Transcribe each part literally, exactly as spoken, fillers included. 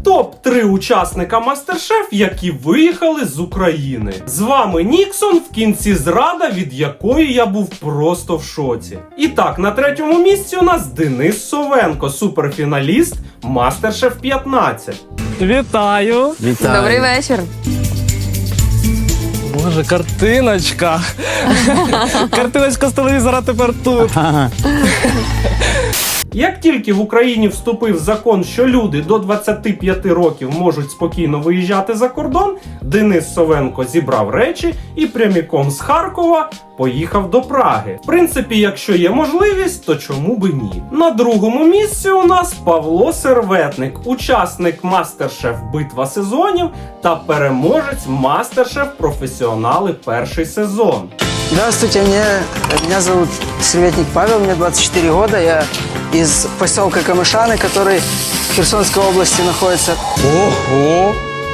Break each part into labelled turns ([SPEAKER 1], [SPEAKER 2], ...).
[SPEAKER 1] топ три учасника Мастер-Шеф, які виїхали з України. З вами Ніксон, в кінці зрада, від якої я був просто в шоці. І так, на третьому місці у нас Денис Совенко, суперфіналіст Мастер-Шеф п'ятнадцять.
[SPEAKER 2] Вітаю!
[SPEAKER 3] Вітаю.
[SPEAKER 4] Добрий вечір.
[SPEAKER 2] Боже, картиночка. Картиночка з телевізора тепер тут.
[SPEAKER 1] Як тільки в Україні вступив закон, що люди до двадцяти п'яти років можуть спокійно виїжджати за кордон, Денис Совенко зібрав речі і прямиком з Харкова поїхав до Праги. В принципі, якщо є можливість, то чому би ні? На другому місці у нас Павло Серветник, учасник Мастер-Шеф Битва сезонів та переможець Мастер-Шеф Професіонали перший сезон.
[SPEAKER 3] Здравствуйте, меня, меня зовут Серветник Павел, мне двадцать четыре года, я из поселка Камышаны, который в Херсонской области находится.
[SPEAKER 5] Ого!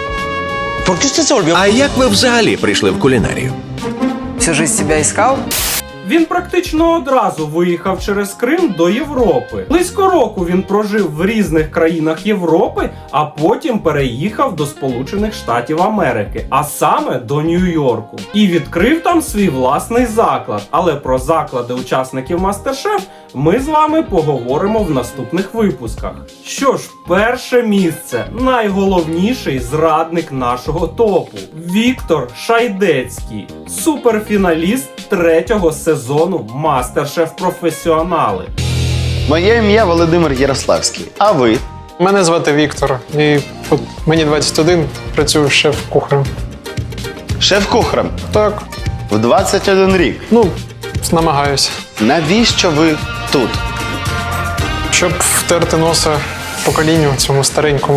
[SPEAKER 5] А як ви взагалі прийшли в кулінарію?
[SPEAKER 3] Всю жизнь себя искал.
[SPEAKER 1] Він практично одразу виїхав через Крим до Європи. Близько року він прожив в різних країнах Європи, а потім переїхав до Сполучених Штатів Америки, а саме до Нью-Йорку. І відкрив там свій власний заклад. Але про заклади учасників Мастер-Шеф ми з вами поговоримо в наступних випусках. Що ж, перше місце. Найголовніший зрадник нашого топу. Віктор Шайдецький. Суперфіналіст третього сезону Мастер-Шеф Професіонали.
[SPEAKER 6] Моє ім'я Володимир Ярославський. А ви?
[SPEAKER 7] Мене звати Віктор, і от мені двадцять один, працюю шеф-кухарем.
[SPEAKER 6] Шеф-кухарем.
[SPEAKER 7] Так,
[SPEAKER 6] В двадцять один рік.
[SPEAKER 7] ну, намагаюся.
[SPEAKER 6] Навіщо ви тут?
[SPEAKER 7] Щоб втерти носа поколінню цьому старенькому.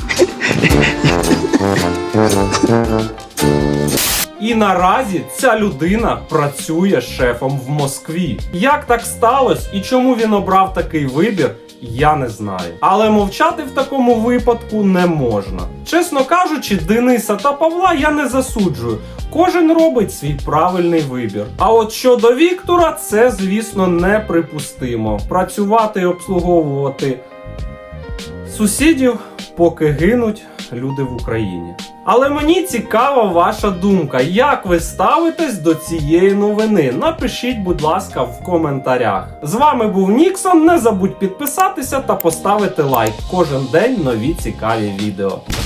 [SPEAKER 1] І наразі ця людина працює шефом в Москві. Як так сталося і чому він обрав такий вибір, я не знаю. Але мовчати в такому випадку не можна. Чесно кажучи, Дениса та Павла я не засуджую. Кожен робить свій правильний вибір. А от щодо Віктора, це, звісно, неприпустимо. Працювати і обслуговувати сусідів, поки гинуть люди в Україні. Але мені цікава ваша думка. Як ви ставитесь до цієї новини? Напишіть, будь ласка, в коментарях. З вами був Ніксон. Не забудь підписатися та поставити лайк. Кожен день нові цікаві відео.